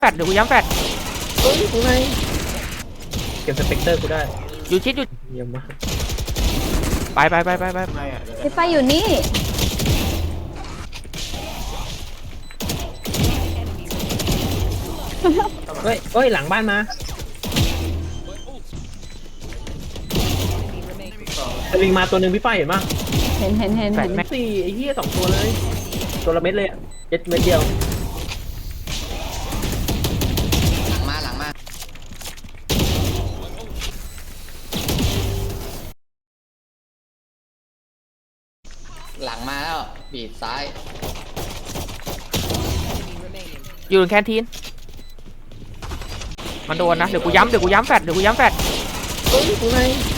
แฟดเดี๋ยวกูย้ำแฟดเฮ้ยกูไงเก็บสเปกเตอร์กูได้อยู่ชิดอยู่เยี่ยมมากไปพี่ไฟอยู่นี่เฮ้ยหลังบ้านมาสลิงมาตัวหนึ่งพี่ฝ้ายเห็นปะเห็นแฟดแม็กสี่ไอ้เหี้ย2ตัวเลยตัวละเม็ดเลยเจ็ดเม็ดเดียวหลังมาหลังมาแล้วบีบซ้ายอยู่ในแคนทีนมันโดนนะเดี๋ยวกูย้ำแฟดเฮ้ยกูไง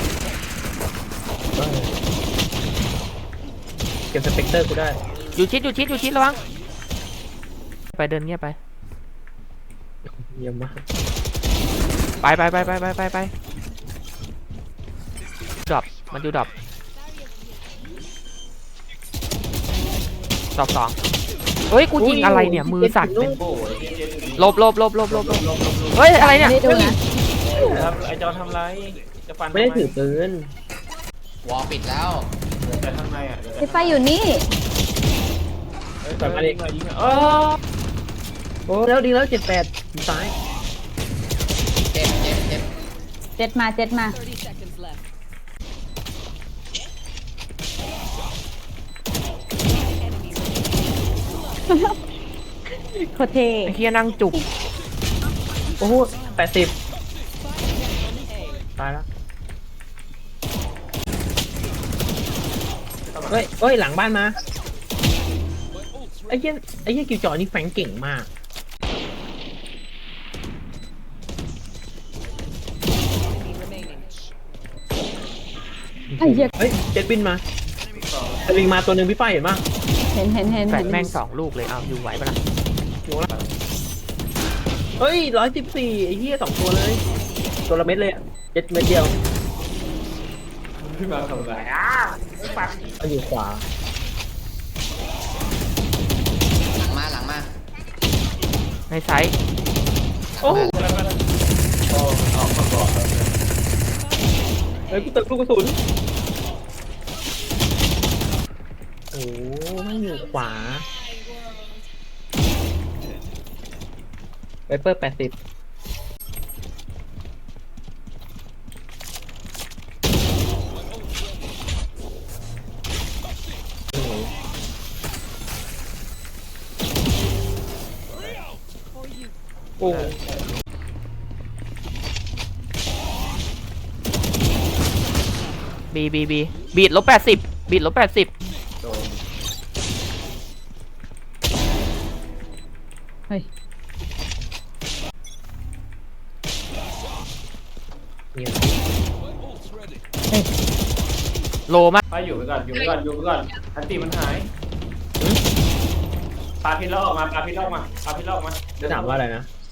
เก็บสเปกเตอร์กูได้อยู่ชิดระวังไปเดินเงียบไปเยี่ยมมากไปดรอปมันอยู่ดรอปสองเฮ้ยกูยิงอะไรเนี่ยมือสั่นเป็นลบเฮ้ยอะไรเนี่ยไม่ได้ดูนะครับไอจอทำไรจะฟันไม่ได้ถือปืนวอลปิดแล้วแต่ข้างในอ่ะพี่ไฟอยู่นี่ยิงเออโอ้แล้วดีแล้ว78ซ้ายเจ็บเจ็ดมา โคตรเท่ไอ้เฮียนั่งจุกโอ้โห80ตายแล้วเฮ้ยหลังบ้านมาไอ้เหี้ยกิวจอนี่แฝงเก่งมากไอ้เหี้ยเฮ้ยเจ็ดบินมาสลิงมาตัวหนึ่งพี่ฝ้ายเห็นปะเห็นแฟดแม่ง2 ลูกเลยเอาอยู่ไหวปะล่ะเฮ้ย114ไอ้เหี้ย2ตัวเลยตัวละเม็ดเลยเจ็ดเม็ดเดียวขึ้นมาทำไรเอาอยู่ขวาหลังมาในไซส์โอ้ออกมาก่อนเฮ้ยกูเติมลูกกระสุนโอ้ไม่อยู่ขวาไวเปอร์80โอ้บีบีดลบ80บีดลบ80 เฮ้ยเนี่ยโลมากไปอยู่ไปก่อนอันตีมันหายปาพิษแล้วออกมาจะถามว่าอะไรนะ